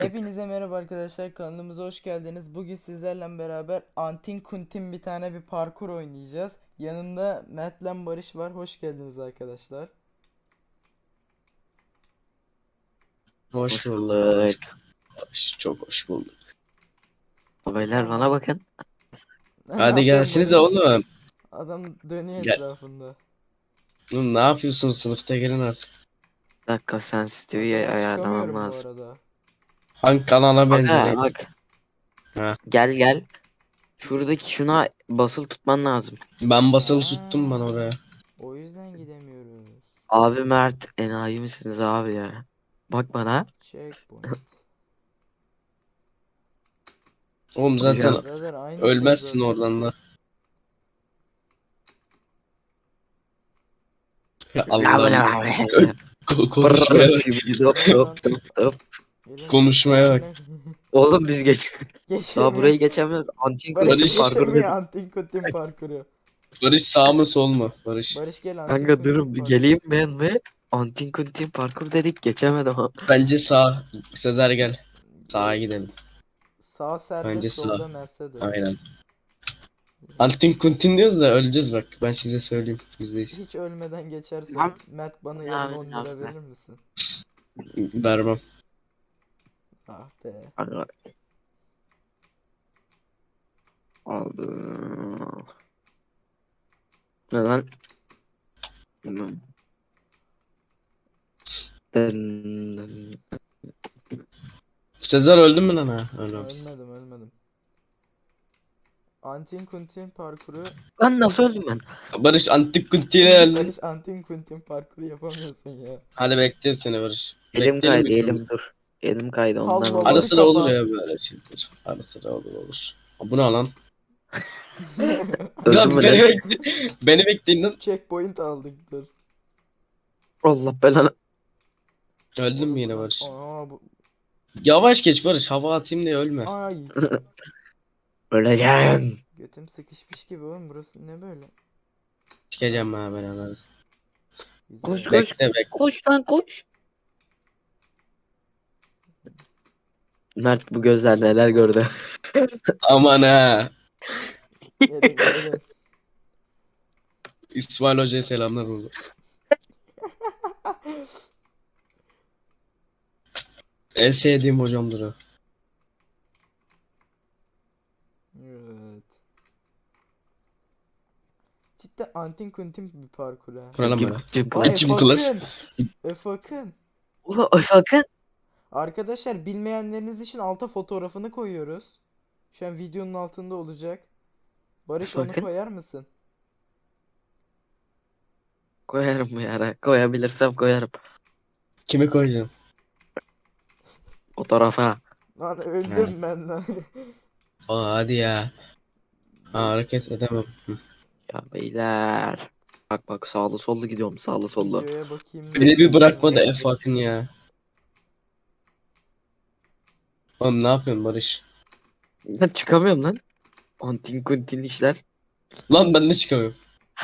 Hepinize merhaba arkadaşlar, kanalımıza hoş geldiniz. Bugün sizlerle beraber Antin Kuntin bir tane bir parkur oynayacağız. Yanımda Mert'le Barış var. Hoş geldiniz arkadaşlar. Hoş Hoş bulduk. bulduk. Çok hoş bulduk. Beyler Tamam. bana bakın. Ne Hadi yapıyorsun gelsinize Barış? oğlum. Adam dönüyor Gel. etrafında. Oğlum ne yapıyorsunuz sınıfta gelin artık. Bir dakika sensitivity'yi Ben ayarlamam çıkamıyorum bu lazım. arada. Hangi kanala Aga benzerek? bak Ha. gel. Şuradaki şuna basılı tutman lazım. Ben basılı tuttum ben Ha, oraya. o yüzden gidemiyoruz. Abi Mert enayi misiniz abi ya? Bak bana. Checkpoint. Oğlum zaten Hocam. Birader aynı şey ölmezsin zaten. oradan da. Ya La bu ne Allah'ım. abi? Konuşmaya Brrr, bak. şimdi dop Gelin dop lan. dop dop. Gelin lan. Konuşmaya bak. Amına. Oğlum biz daha Geçemiyor. burayı geçemiyoruz. Antin Barış kuntin Barış. parkur geçemiyor dedik. Antin Kuntin parkuru. Barış sağ mı sol mu? Barış. Barış gel Antin Kanka Kuntin durun bir parkuru. geleyim ben mi? Antin kuntin parkur dedik geçemedim ha. Bence sağ. Sezer gel. Sağa E, gidelim. Sağ serbest, Bence sağ. solda Mercedes. Aynen. Antin kuntin diyoruz da öleceğiz bak. Ben size söyleyeyim. %100. Hiç ölmeden geçersen Lan. Mert bana yarın Abi, 10 lira verir misin? Vermem. Ah be. Aga, aldım. Neden? Bilmem. Dın. Sezer öldü mü lan ha? Ölmemiş. Ölmedim. Antin Kuntin parkuru. Lan nasıl öldüm ben? Barış antik kuntiyle öldün. Barış Antin Kuntin parkuru yapamıyorsun ya. Hadi bekliyor seni Barış. Elim Bekleyelim kaydı mi şurada? elim dur. Elim kaydı ondan Allah oldu. Ara varı sıra olur kafa. ya böyle şeyler. Ara sıra olur. Bu ne lan? Öldüm Lan mü beni lan? beni bekleyin lan. Checkpoint aldık dur. Allah belanı. Öldün mü Oğlum yine lan. Barış? Aa bu. Yavaş geç Barış. Hava atayım diye ölme. Ay. Öleceğim. Götüm sıkışmış gibi oğlum, burası ne böyle? Sikeceğim ha ben ananı. Koş Güzel. koş. Bekle. Koş lan koş. Mert bu gözler neler gördü. Aman ha. Gelin. İsmail Hoca'ya selamlar oldu. En sevdiğim hocamdır o. Evet. Cidden Antin Kuntin bir parkur ha. Kuralım böyle. Cım Aa klas. İçim klas. Efakın. Ulan sakın. Arkadaşlar bilmeyenleriniz için alta fotoğrafını koyuyoruz. Şu an videonun altında olacak. Barış onu Sakın. koyar mısın? Koyarım bu yara. Koyabilirsem koyarım. Kimi koyacaksın? O tarafa. Lan Ha. öldüm ben lan. Aa, hadi ya. Ha, hareket edemem. Hı. Ya beyler. Bak sağlı sollu gidiyorum sağlı sollu. Videoya bakayım. Beni bir bırakma da Nerede? F Akın ya. Oğlum ne yapıyorsun Barış? Ben çıkamıyorum lan. Antin kuntin işler. Lan ben de çıkamıyorum.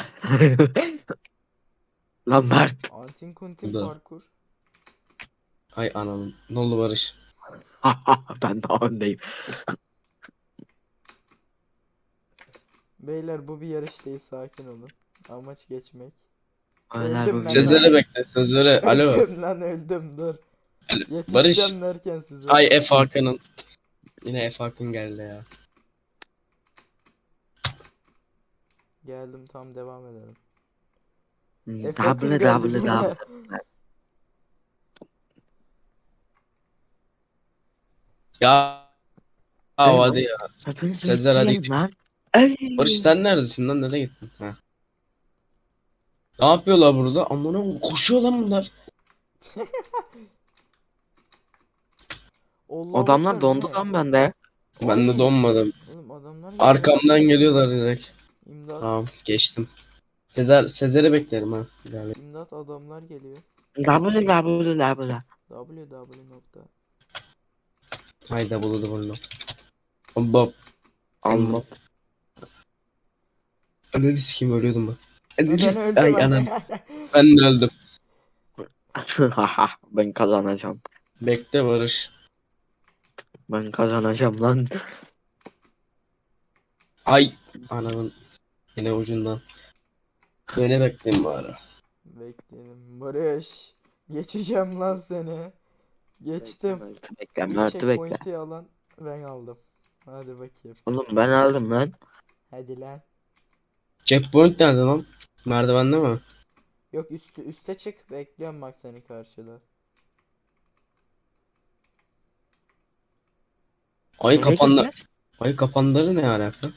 Lan Mert. Antin Kuntin Burada. parkur. Hay ananın. Ne oldu Barış? Ben daha öndeyim. Beyler bu bir yarış değil, sakin olun. Amaç geçmek. Beyler bu Öldüm bir ben Sezer'e lan. bekle. Sezer'e. Alo. Öldüm dur. Alo. Barış. Yetişeceğim derken size. Ay F Hakan'ın. Yine F Hakan geldi ya. Geldim, tam devam edelim. double Efakın double geldi double. yine. Ya. Ey, Hadi ya. Hepinizi Sezer hadi bitireyim gidelim. lan. Ey. Barış sen neredesin lan? Nereye gittin? Ha. Ne yapıyorlar burada? Amına koşuyor lan bunlar. Allahu Adamlar Ekber, bu dondu ne? lan bende. Ben de Ay. donmadım. Oğlum adamlar geliyor. Arkamdan geliyorlar direkt. İmdat. Tamam geçtim. Sezer'i beklerim ha. İlerle. İmdat, adamlar geliyor. Double. www nokta. Hayda buladı bunu. Bab. Allah. Ananı sikeyim ölüyordum bak. Ben öldüm. Ay anam. Ben de öldüm. Ben kazanacağım. Bekle Barış. Ben kazanacağım lan. Ay ananın yine ucundan. Böyle bekleyin bari. Bekleyelim. Barış. Geçeceğim lan seni. Geçtim. Bekle İlk Mert'i bekle. checkpoint'i alan ben aldım. Hadi bakayım. Oğlum ben aldım lan. Hadi lan. Checkpoint nerede lan? Merdivende mi? Yok üste çık. Bekliyorum bak seni karşıda. Ay Nereye kapandı. gireceğiz? Ay kapanları ne alaka?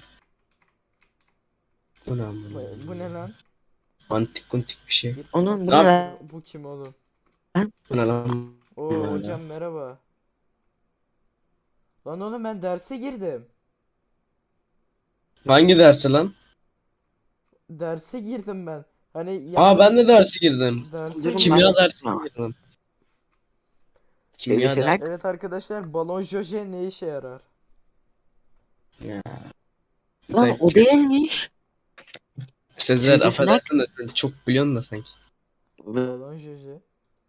Bu ne amına? Bu ne lan? Antik kuntik bir şey. Git Onun bu Ne ne yap- lan? Bu kim oğlum? Bu ne lan? Oo Böyle. hocam merhaba. Lan oğlum ben derse girdim. Hangi dersi lan? Derse girdim ben. Hani Aa yanında ben de dersi girdim. derse Durun girdim. Kimya ben. dersine girdim. Kimya Birisi lan. dersi. Evet arkadaşlar balon joje ne işe yarar? Ya. Lan Sen, o değilmiş. Sezer Sivrisinek. affedersin de sen çok biliyorsun da sanki. Balon joje.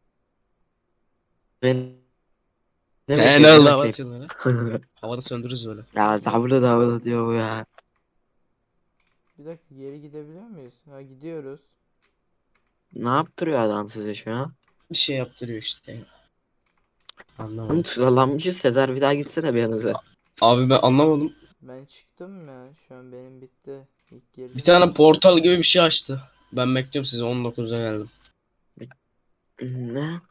Ben ne Ne bekliyorum oldu dur hava bakayım. atıyorlar. Havada söndürürüz böyle. Ya Hocam, davulu bir davulu saniye. diyor bu ya. Bir dakika geri gidebiliyor muyuz? Ha gidiyoruz. Ne yaptırıyor adam size şu an? Bir şey yaptırıyor işte ya. Lan Anlamadım. sıralanmışız Sezer bir daha gitsene bir yanınıza. Abi ben anlamadım. Ben çıktım ya. Şu an benim bitti. İlk girdim. Bir tane portal gibi bir şey açtı. Ben bekliyorum sizi 19'a geldim. Ne?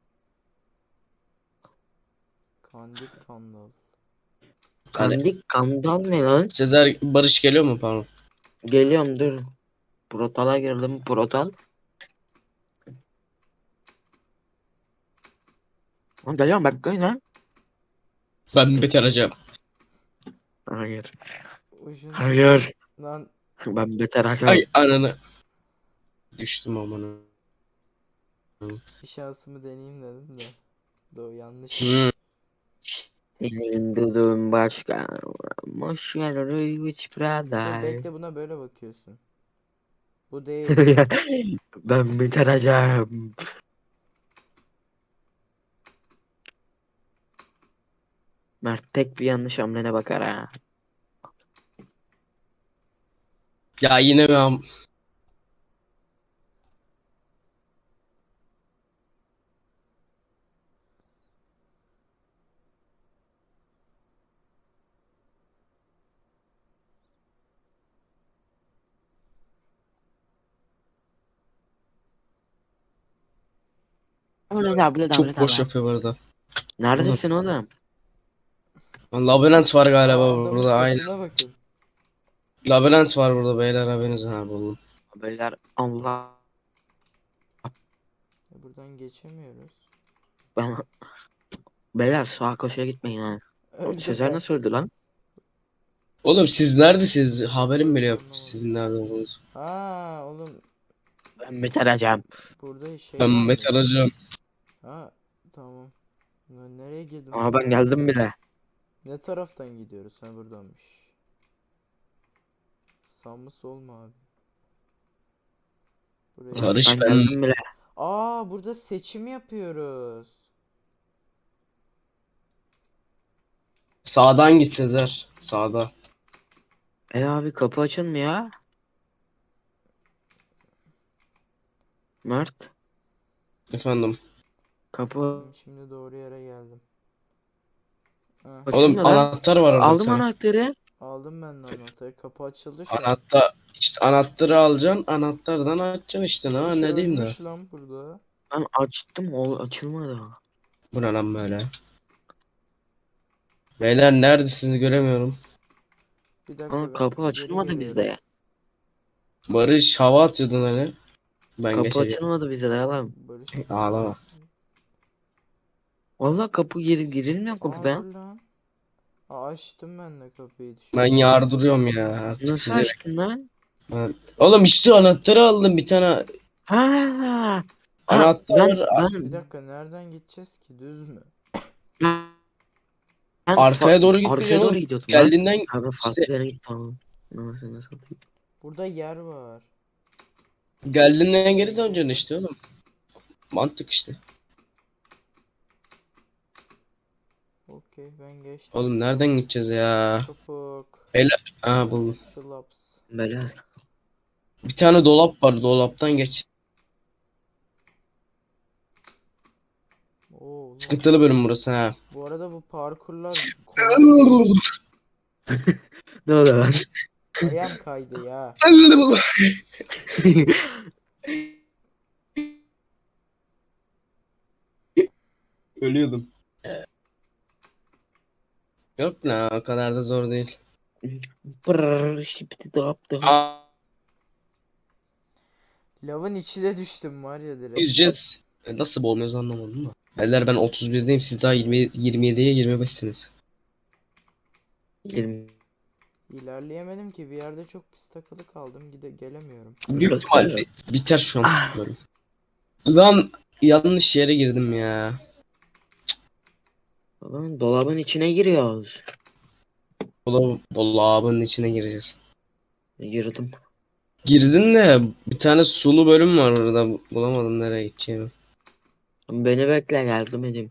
Kandik kandal. Hadi. Kandik kandal ne lan? Sezer Barış geliyor mu pardon? Geliyorum dur. Portala girdim portal. Lan geliyorum bekleyin lan. Ben bitireceğim. Hayır. Ucun Hayır. lan Ben beter Ay hakem. ananı. Düştüm amına. bir şansımı deneyeyim dedim de. Do yanlış. Hmm. Dedim başka. Boş ver Rüyüç Dur brother. bekle buna böyle bakıyorsun. Bu değil. Ben bitireceğim. Mert tek bir yanlış hamlene bakar ha. Ya yine ben. Çok boş yapıyor bu arada. Neredesin oğlum? Lan labirent var galiba Adamın burada aynen. saçına bakın. Labirent var burada beyler haberiniz ha buldum. Beyler Allah Buradan geçemiyoruz. ben beyler sağa koşuya gitmeyin ha. Öldüm Sezer ben. nasıl öldü lan? Oğlum siz neredesiniz? Haberim bile yok Anlamadım. sizin nerede olduğunuz. Ha oğlum Ben bitireceğim. burada şey Ben varmış. bitireceğim. Ha tamam. Ben nereye girdim? Ama ben geldim bile. Ne taraftan gidiyoruz? Ha buradanmış. Sağ mı sol mu abi? Buraya. Barış Ben ben. geldim bile. Aa burada seçim yapıyoruz. Sağdan git Sezer. Sağda. Abi kapı açılmıyor. Mert Efendim. kapı Şimdi doğru yere geldim. Ha, Oğlum açılmıyor lan. anahtar var orada bir Aldım tane. anahtarı. aldım ben de anahtarı. Kapı açıldı şu an. Anahtar işte anahtarı alacaksın. Anahtardan açacaksın işte. Bir Ha şey ne diyeyim de. ölmüş lan burada. Ben açtım o açılmadı. Bu ne lan böyle? Beyler neredesiniz göremiyorum. Bir dakika Ama ben kapı geri açılmadı geliyorum. bizde. Barış hava atıyordun hani. Ben Kapı geçeceğim. açılmadı bizde lan. Barış. Ağlama. Vallahi kapı girilmiyor Aa kapıda. dur lan. Aa, açtım ben de kapıyı Ben dışarı. yardırıyorum ya. Artık Nasıl size. açtın lan? Oğlum işte anahtarı aldım bir tane. Ha, ha Anahtar ben var. Bir ben dakika nereden gideceğiz ki? Düz mü? ben Arkaya doğru arkaya gitmeyeceksin doğru oğlum. gidiyordum lan. Geldiğinden Abi işte farklı yere git tamam. Nasıl satayım? Burada yer var. geldiğinden geri döneceksin işte oğlum. Mantık işte. Okey. okey ben geçtim. Oğlum nereden gideceğiz ya? Topuk. Aa buldum. Şılaps. Beyler. Bir tane dolap var. Dolaptan geç. Oo, oğlum. Sıkıntılı bölüm burası ha. Bu arada bu parkurlar kolay değil. Ne oluyor lan? Ayağım kaydı ya. Ölüyordum. Yok la o kadar da zor değil. Brrr, şipti dap. Aa, Lavın içine düştüm var ya direkt. yüzeceğiz. Nasıl boğulmuyoruz anlamadım da. Beyler ben 31'deyim siz daha 27'ye 25'siniz. 20. İlerleyemedim ki bir yerde çok pis takılı kaldım. Gelemiyorum. Büyük ihtimal biter şu an bölüm. Lan yanlış yere girdim ya. Lan dolabın içine giriyoruz. Dolabın içine gireceğiz. Girdim. Girdin de bir tane sulu bölüm var orada. Bulamadım nereye gideceğimi. Beni bekle geldim edeyim.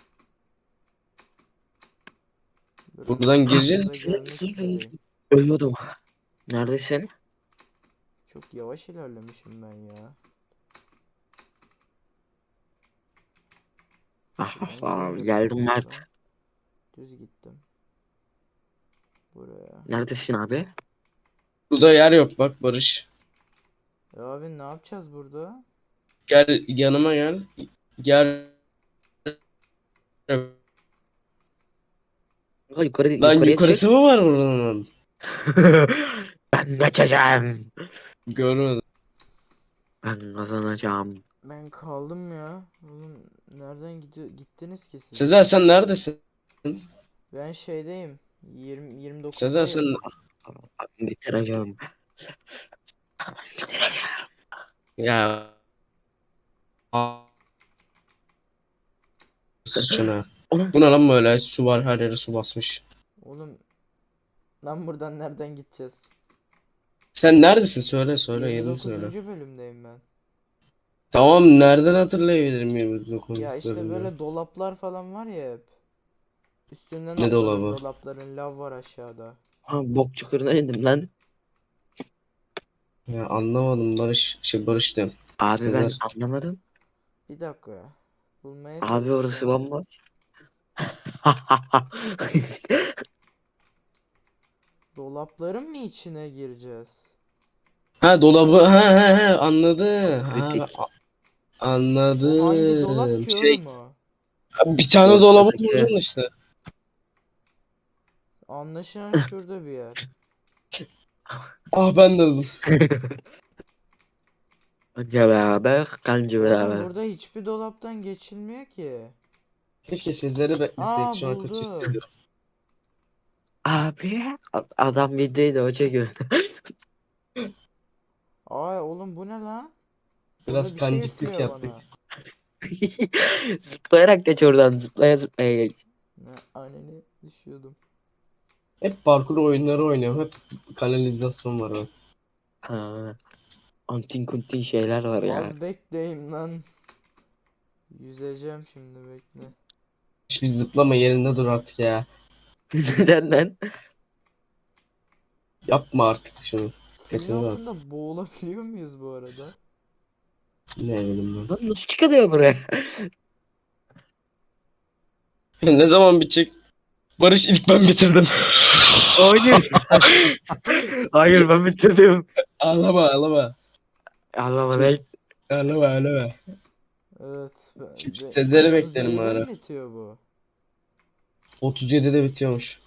Buradan gireceğiz. Buraya gelmek üzereyim. Ölüyordum. Neredesin? Çok yavaş ilerlemişim ben ya. Ah Ben ah, nereye geldim yapıyorum Mert. buradan? Düz gittim. Buraya. Neredesin abi? Burada yer yok bak Barış. Abi ne yapacağız burada? Gel yanıma gel. Gel. Ha, yukarı Lan yukarıya çık. yukarısı mı var buranın? Ben kaçacağım. Görmedim. Ben kazanacağım. Ben kaldım ya. Oğlum nereden gittiniz ki siz? Sezer sen neredesin? Ben şeydeyim. 29'dayım. Sezer sen Ben bitireceğim. Bitireceğim. ya. Sıçına. Oğlum Bu ne lan böyle? Su var her yere su basmış. Oğlum lan buradan nereden gideceğiz? Sen neredesin? Söyle yerini söyle. 29. bölümdeyim ben. Tamam nereden hatırlayabilirim 29 Ya işte bölümde? böyle dolaplar falan var ya hep. Üstünden Ne atladım dolabı? dolapların, lav var aşağıda. ha, bok çukuruna indim lan. Ya anlamadım Barış. Barış diyorum. Abi ben Sezer. anlamadım. Bir dakika ya. Bulmaya Abi orası çalışacağım. bomboş. Dolapların mı içine gireceğiz? Ha dolabı ha anladı. Ha Kritik. O hangi dolap anladım. ki oğlum o? Bir tane dolabı Ortadaki. bulacaksın işte. Anlaşılan şurada bir yer. Ah ben de öldüm. Önce beraber, kanca Oğlum beraber. burada hiçbir dolaptan geçilmiyor ki. Keşke Sezer'i bekleseydik Aa şu an kötü buldum. hissediyorum. Abi adam videoyu o çekiyor. Ay oğlum bu ne lan? Biraz Burada bir şey panciklik üflüyor yaptık. bana. Zıplayarak geç oradan. Zıplaya zıplaya geç. Ne anneni düşüyordum. Hep parkur oyunları oynuyorum. Hep kanalizasyon var bak. Ha, antin kuntin şeyler var ya. Az bekleyin lan. Yüzeceğim şimdi bekle. Hiçbir zıplama yerinde dur artık ya. Neden lan? Yapma artık şunu. Suyun Kötü var. altında boğulabiliyor muyuz bu arada? Ne bileyim Lan nasıl çıkılıyor buraya? ben. Ne zaman bitecek? Barış ilk ben bitirdim. Hayır. Hayır ben bitirdim. Ağlama ağlama. Allah'ım ne? Ağlama ağlama. Evet. Şimdi Sezer'i beklerim 37'de ara. mi bitiyor bu? 37'de bitiyormuş.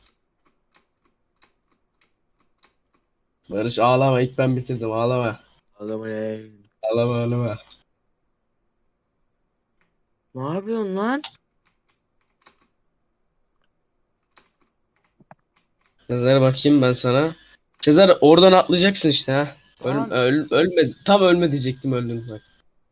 Barış ağlama ilk ben bitirdim ağlama. Allah'ım ne? Ağlama ağlama. Ne yapıyorsun lan? Sezer bakayım ben sana. Sezer oradan atlayacaksın işte ha. Lan Ölme. Tam ölme diyecektim öldüm bak.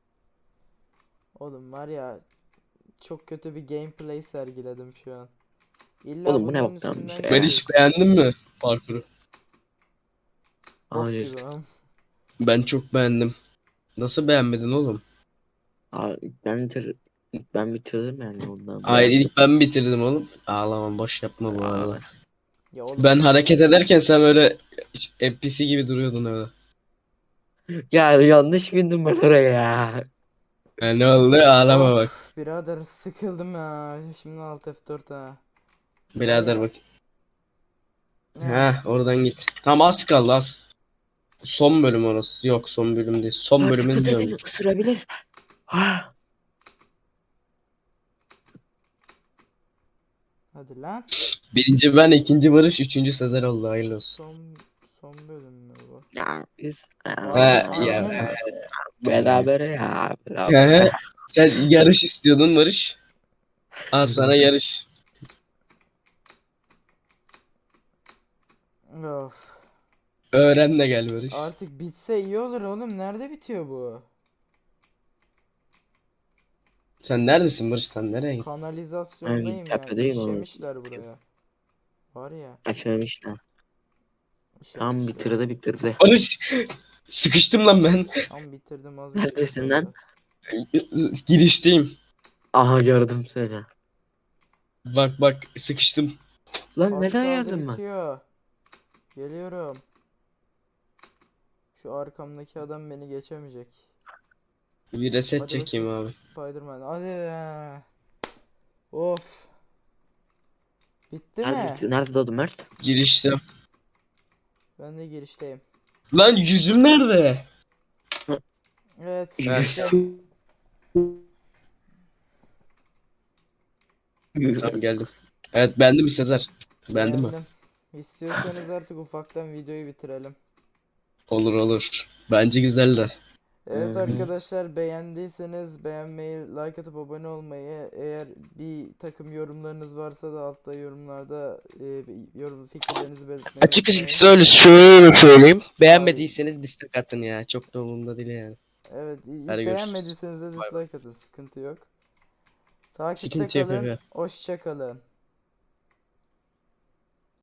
oğlum var ya çok kötü bir gameplay sergiledim şu an. İlla Oğlum bu ne bunların boktan bir üstünden şey Ben ya. hiç geçiyorsun. beğendin mi parkuru? Bok Hayır. gibi am. Ben çok beğendim. Nasıl beğenmedin oğlum? Abi ben bitir. Ben bitirdim yani ondan. Hayır ilk ben bitirdim oğlum. Ağlamam boş yapma bu arada. Ya oğlum Ben hareket arkadaş- ederken sen öyle NPC gibi duruyordun öyle. Ya yanlış bindim ben oraya ya. Ha, ne oldu? Ağlama bak. Of birader sıkıldım ya. Şimdi alt F4 ha. Var Birader ya. bak. Ne? Ha oradan git. Tam az kaldı az. Son bölüm orası. Yok son bölüm değil. Son Ha, bölümün dikkat diyorum. edin ısırabilir. Ha. Hadi lan. Birinci ben, ikinci Barış, üçüncü Sezer oldu. Hayırlı olsun. Son bölüm mü bu? Ya biz Ha ya. Aynen. beraber ya. He, Beraber. sen yarış istiyordun Barış. Al sana yarış. Of. Öğren de gel Barış. Artık bitse iyi olur oğlum. Nerede bitiyor bu? Sen neredesin Barış? Sen nereye gittin? Kanalizasyondayım ya. Tepedeyim ama. İşemişler buraya. Var ya. Açılmışlar. Tam İşemişler. bitirdi. Barış sıkıştım lan ben. Tam bitirdim az bir şey Neredesin kaldı. lan? Girişteyim. Aha gördüm seni. Bak bak sıkıştım. Lan Az neden kaldı yazdım ben? bitiyor. Geliyorum. Şu arkamdaki adam beni geçemeyecek. Bir reset Hadi çekeyim bakayım. abi. Spider-Man. Hadi ya. Of. Bitti Nerede mi? bitti? Nerede doğdu Mert? Girişte. Ben de girişteyim. Lan yüzüm nerede? Evet. Ha. bitti. Tamam geldim. Evet beğendin mi Sezer? Beğendin mi? Beğendim. İstiyorsanız artık ufaktan videoyu bitirelim. Olur olur. Bence güzel de. Evet Hı hı. arkadaşlar beğendiyseniz beğenmeyi, like atıp abone olmayı, eğer bir takım yorumlarınız varsa da altta yorumlarda yorum fikirlerinizi belirtmeyi Açık unutmayın. şöyle söyleyeyim. Beğenmediyseniz dislike atın ya. Çok da umurumda değil yani. Evet Hadi hiç görüşürüz. beğenmediyseniz de Bay bay. dislike atın sıkıntı yok. Takipte Sıkıntı yok kalın, aga. hoşça kalın.